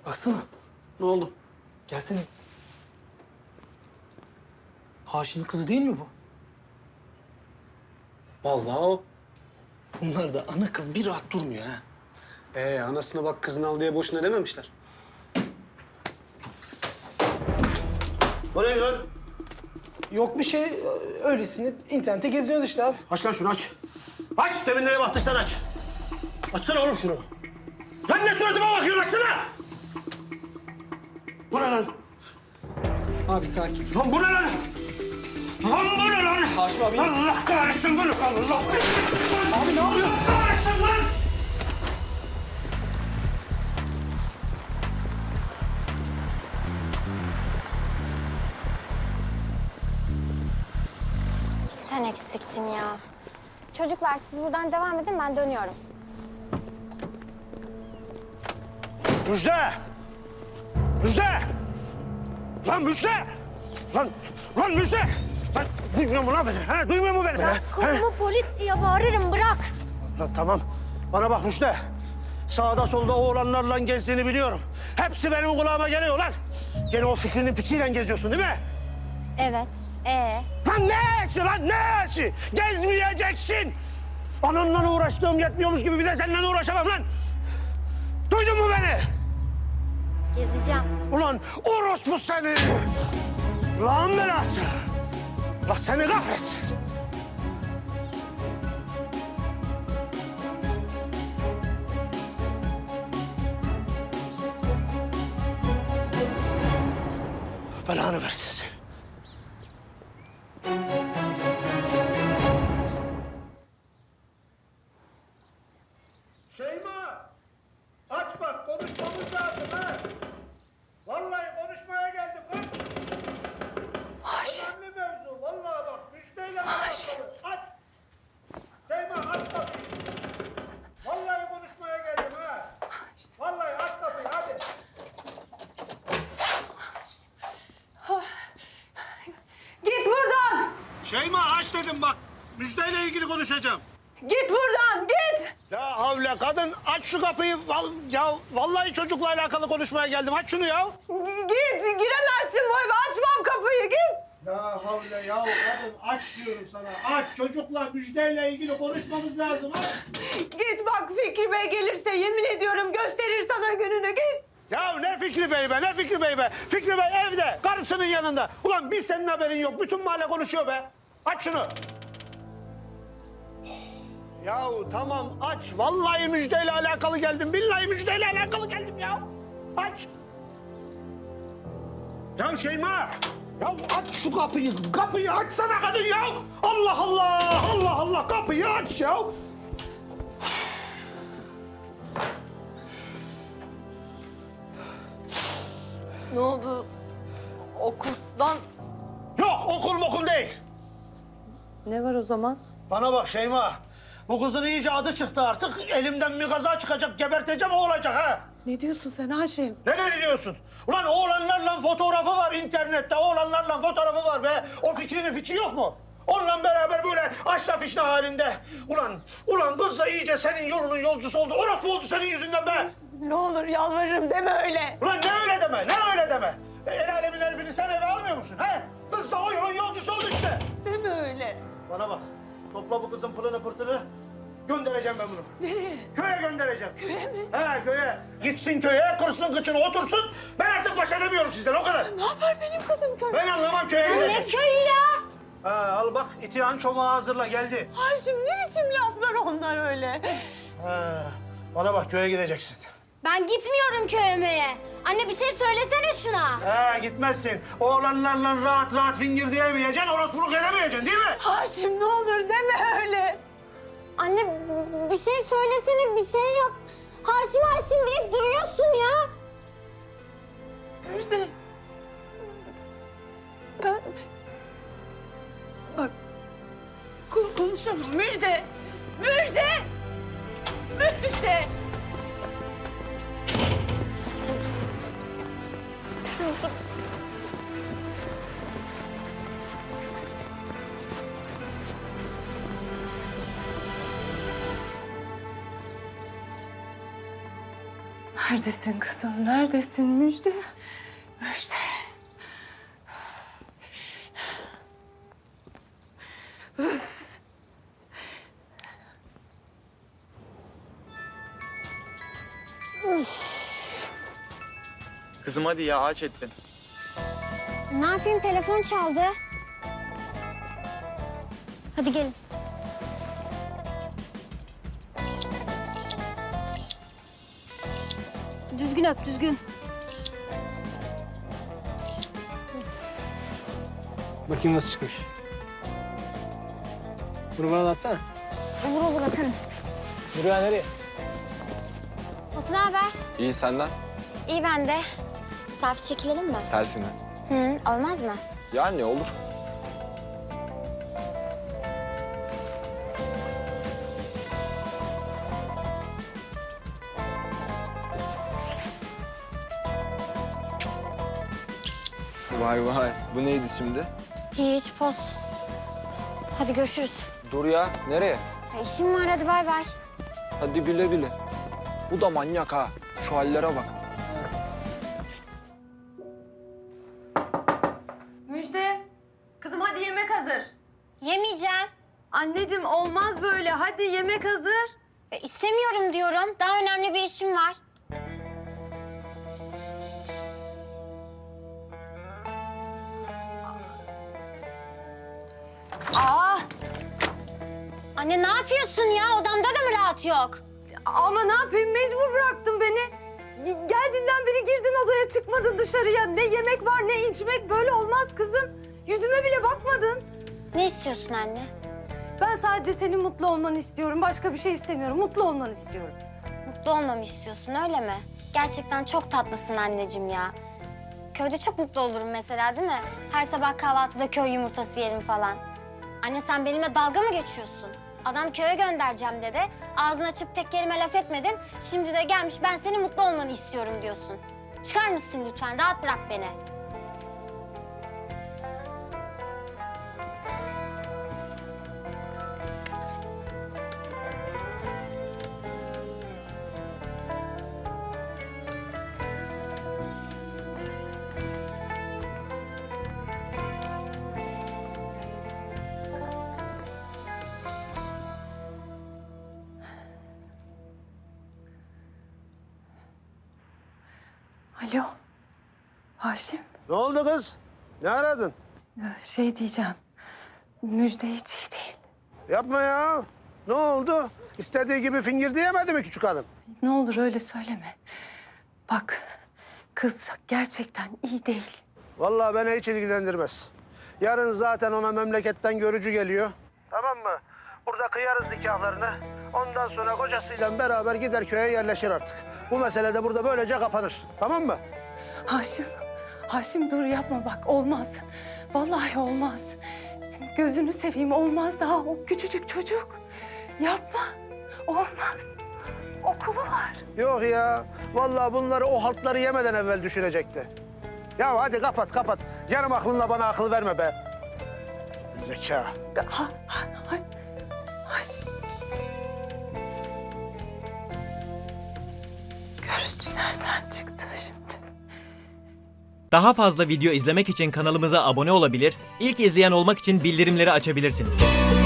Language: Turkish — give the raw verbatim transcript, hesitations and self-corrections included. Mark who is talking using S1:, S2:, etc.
S1: Baksana.
S2: Ne oldu?
S1: Gelsene. Haşim'in kızı değil mi bu?
S2: Vallahi o.
S1: Bunlar da ana kız bir rahat durmuyor ha.
S2: Ee, anasına bak kızını al diye boşuna dememişler.
S3: Bu ne lan?
S1: Yok bir şey. Öylesine internette geziniyoruz işte abi.
S3: Aç lan şunu aç. Aç! Demin nereye baktıysan aç. Açsana oğlum şunu. Lan ne suratıma bakıyorsun açsana! Bu ne lan?
S1: Abi sakin.
S3: Lan bu ne lan? Lan bu ne lan?
S1: Haşim abi, iyi misin?
S3: Allah kahretsin bunu. Allah kahretsin.
S1: Abi ne yapıyorsun?
S3: Kahretsin lan!
S4: Sen eksiktin ya. Çocuklar siz buradan devam edin, ben dönüyorum.
S3: Müjde! Müjde! Lan Müjde! Lan, lan Müjde! Lan duymuyor mu lan beni? Ha, duymuyor mu beni?
S4: Bırak kolumu, polis diye bağırırım, bırak.
S3: Lan tamam. Bana bak Müjde. Sağda solda oğlanlarla gezdiğini biliyorum. Hepsi benim kulağıma geliyor lan. Gene o fikrinin piçiyle geziyorsun değil mi?
S4: Evet, ee?
S3: Lan ne eşi lan ne eşi? Gezmeyeceksin. Ananla uğraştığım yetmiyormuş gibi bir de seninle uğraşamam lan. Duydun mu beni?
S4: Gezeceğim.
S3: Ulan orospu seni. Lan belası. Allah seni kahretsin. Belanı versin seni. Şeyma! Aç bak, konuşmamız lazım ha! Vallahi konuşmaya geldim bak!
S4: Haşim.
S3: Önemli mevzu, vallahi bak, müşteriyle alakalı. Aç! Şeyma aç kapıyı! Vallahi konuşmaya geldim ha! Vallahi aç kapıyı, hadi!
S5: Git buradan!
S3: Şeyma aç dedim bak, müjdeyle ilgili konuşacağım.
S5: Git buradan, git!
S3: Ya havle kadın aç şu kapıyı. Val ya vallahi çocukla alakalı konuşmaya geldim. Aç şunu ya.
S5: Git, giremezsin bu eve. Açmam kapıyı, git!
S3: Ya havle ya kadın aç diyorum sana. Aç çocukla müjdeyle ilgili konuşmamız lazım. Aç.
S5: Git bak Fikri Bey gelirse yemin ediyorum gösterir sana gününü, git!
S3: Ya ne Fikri Bey be ne Fikri Bey be. Fikri Bey evde karısının yanında. Ulan bir senin haberin yok. Bütün mahalle konuşuyor be. Aç şunu. Yahu tamam aç. Vallahi müjdeyle alakalı geldim. Billahi müjdeyle alakalı geldim ya. Aç. Ya Şeyma. Ya aç şu kapıyı. Kapıyı açsana kadın ya. Allah Allah. Allah Allah. Kapıyı aç ya.
S5: Ne oldu? Okuldan
S3: Yok okul mokul değil.
S5: ne var o zaman?
S3: Bana bak Şeyma. Bu kızın iyice adı çıktı artık. Elimden bir kaza çıkacak. Geberteceğim o olacak ha.
S5: Ne diyorsun sen Haşim?
S3: Ne ne diyorsun? Ulan oğlanlarla fotoğrafı var internette. Oğlanlarla fotoğrafı var be. O fikrinin fiçi yok mu? Onunla beraber böyle aşla fişne halinde. Ulan, ulan kız da iyice senin yolunun yolcusu oldu. Orası oldu senin yüzünden be.
S5: Ne olur yalvarırım deme öyle.
S3: Ulan ne öyle deme, ne öyle deme. E, El alemin herifini sen eve almıyor musun he? Kız da o yolun yolcusu oldu işte.
S5: Deme öyle.
S3: Bana bak, topla bu kızın pılını pırtını. Göndereceğim ben bunu.
S5: Nereye?
S3: Köye göndereceğim.
S5: Köye mi?
S3: He köye. Gitsin köye, kırsın kıçını otursun. Ben artık baş edemiyorum sizden o kadar.
S5: Ne yapar benim kızım köy?
S3: Ben anlamam köye
S4: Ne
S3: gidecek.
S4: köyü ya?
S3: Ha, al bak itihan çomağı hazırla geldi.
S5: Haşim ne biçim laflar onlar öyle?
S3: Ha, bana bak köye gideceksin.
S4: Ben gitmiyorum köyümeye. Anne bir şey söylesene şuna.
S3: Ha gitmezsin. Oğlanlarla rahat rahat fingir diyemeyeceksin, orospuluk edemeyeceksin değil mi?
S5: Haşim ne olur deme öyle.
S4: Anne bir şey söylesene, bir şey yap. Haşim Haşim deyip duruyorsun ya.
S5: Müjde. Ben... Bak. ko- Konuşalım Müjde. Müjde. Müjde. Neredesin kızım? Neredesin Müjde? Müjde.
S6: Kızım hadi ya, aç ettin.
S4: Ne yapayım, telefon çaldı. Hadi gelin. Düzgün öp, düzgün.
S2: Bakayım nasıl çıkmış. Bunu bana da atsana.
S4: Olur olur, atarım.
S2: Yürü ya, nereye?
S4: Batu, ne haber?
S6: İyi, senden?
S4: İyi, ben de. Selfie çekilelim mi?
S6: Selfie mi?
S4: Hı, olmaz mı?
S6: Yani olur. Vay vay, bu neydi şimdi?
S4: Hiç, poz. Hadi görüşürüz.
S6: Dur ya, nereye?
S4: Ya, işim var, hadi bay bay.
S6: Hadi güle güle. Bu da manyak ha, şu hallere bak.
S5: Müjde. Kızım hadi yemek hazır.
S4: Yemeyeceğim.
S5: Anneciğim olmaz böyle. Hadi yemek hazır.
S4: Ya, istemiyorum diyorum. Daha önemli bir işim var.
S5: Aa,
S4: Anne, ne yapıyorsun ya? Odamda da mı rahat yok?
S5: ama ne yapayım, mecbur bıraktın beni. Ge- Geldiğinden beri girdin odaya, çıkmadın dışarıya. Ne yemek var ne içmek, böyle olmaz kızım. Yüzüme bile bakmadın.
S4: Ne istiyorsun anne?
S5: Ben sadece senin mutlu olmanı istiyorum. Başka bir şey istemiyorum. Mutlu olmanı istiyorum.
S4: Mutlu olmamı istiyorsun, öyle mi? Gerçekten çok tatlısın anneciğim ya. Köyde çok mutlu olurum mesela, değil mi? Her sabah kahvaltıda köy yumurtası yerim falan. Anne, sen benimle dalga mı geçiyorsun? Adam köye göndereceğim dedi. Ağzını açıp tek kelime laf etmedin. Şimdi de gelmiş ben senin mutlu olmanı istiyorum diyorsun. Çıkar mısın lütfen? Rahat bırak beni.
S5: Alo. Haşim.
S3: Ne oldu kız? Ne aradın?
S5: Şey diyeceğim. Müjde hiç iyi değil.
S3: Yapma ya. Ne oldu? İstediği gibi fingir diyemedi mi küçük hanım?
S5: Ne olur öyle söyleme. Bak, kız gerçekten iyi değil.
S3: Vallahi beni hiç ilgilendirmez. Yarın zaten ona memleketten görücü geliyor. Tamam mı? Burada kıyarız nikahlarını. Ondan sonra kocasıyla beraber gider köye yerleşir artık. Bu mesele de burada böylece kapanır. Tamam mı?
S5: Haşim, Haşim dur yapma bak, olmaz. Vallahi olmaz. Gözünü seveyim, olmaz daha, o küçücük çocuk. Yapma, olmaz. Okulu var.
S3: Yok ya. Vallahi bunları o haltları yemeden evvel düşünecekti. Ya hadi kapat kapat. Yarım aklınla bana akıl verme be. Zeka.
S5: Ha, ha, ha. Haş. Görüntü nereden çıktı şimdi?
S7: Daha fazla video izlemek için kanalımıza abone olabilir, ilk izleyen olmak için bildirimleri açabilirsiniz.